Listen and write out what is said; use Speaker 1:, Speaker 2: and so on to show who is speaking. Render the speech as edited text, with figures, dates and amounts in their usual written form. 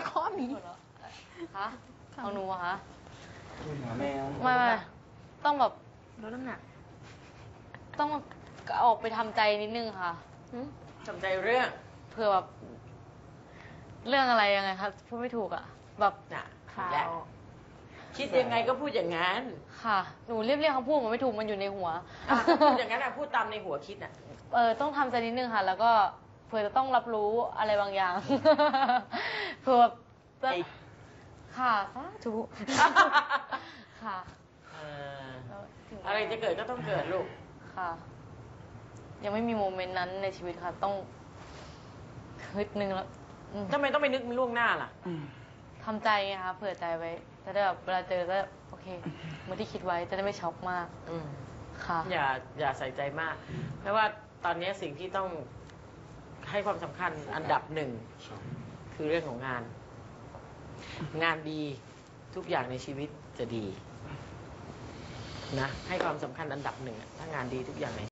Speaker 1: ข้อนี้
Speaker 2: คะเอาหนูอะคะ
Speaker 3: หาแมว
Speaker 2: ไม่ต้องแบบ
Speaker 1: ลดน้ำหนัก
Speaker 2: ต้องออกไปทำใจนิดนึงค่ะ
Speaker 4: ทำใจเรื่อง
Speaker 2: เผื่อแบบเรื่องอะไรยังไงคะพูดไม่ถูกอะแบบ
Speaker 4: น่ะ
Speaker 1: ข่าว
Speaker 4: และคิดยังไงก็พูดอย่างนั้น
Speaker 2: ค่ะหนูเรียกคำพูดมันไม่ถูกมันอยู่ในหัว
Speaker 4: พูดอย่างนั้นพูดตามในหัวคิดน่ะ
Speaker 2: ต้องทำใจนิดนึงค่ะ แล้วก็เผื่อจะต้องรับรู้อะไรบางอย่าง เผื่อแบบจะ
Speaker 4: ไอ้
Speaker 2: ค่ะสาธุ ค่ะ แล้วถึง
Speaker 4: อะไรจะเกิดก็ต้องเกิดลูก
Speaker 2: ค่ะ ยังไม่มีโมเมนต์นั้นในชีวิตค่ะ ต้องฮึดนึงแล้ว
Speaker 4: ทำไมต้องไปนึกมันล่วงหน้าล่ะ
Speaker 2: ทำใจไงคะเผื่อใจไว้จะได้แบบเวลาเจอก็โอเคเหมือนที่คิดไว้จะได้ไม่ช็อกมาก
Speaker 4: อืม
Speaker 2: ค่ะ
Speaker 4: อย่าใส่ใจมาก เพราะว่าตอนนี้สิ่งที่ต้องให้ความสำคัญอันดับหนึ่งคือเรื่องของงาน งานดีทุกอย่างในชีวิตจะดีนะให้ความสำคัญอันดับหนึ่งอะถ้างานดีทุกอย่างใน